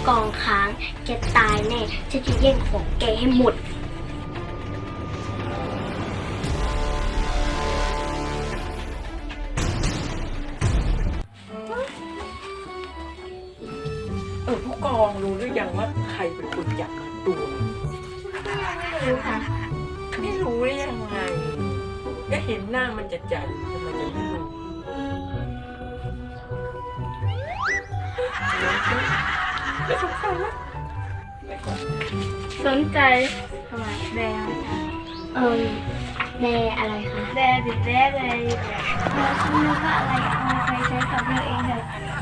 กองค้างแกตายแน่ฉันจะแย่งของแกให้หมดผู้กองรู้หรือยังว่าใครเป็นคนจับตัวไม่รู้ค่ะไม่รู้ได้ยังไงก็เห็นหน้ามันจะจัดทำไมจะไม่รู้ไม่สงสัยไหมสนใจทำไมแดงแดอะไรคะแดดิแดเลยแดคุณรู้ว่าอะไรเอาไปใช้กับเธอเองเถอะ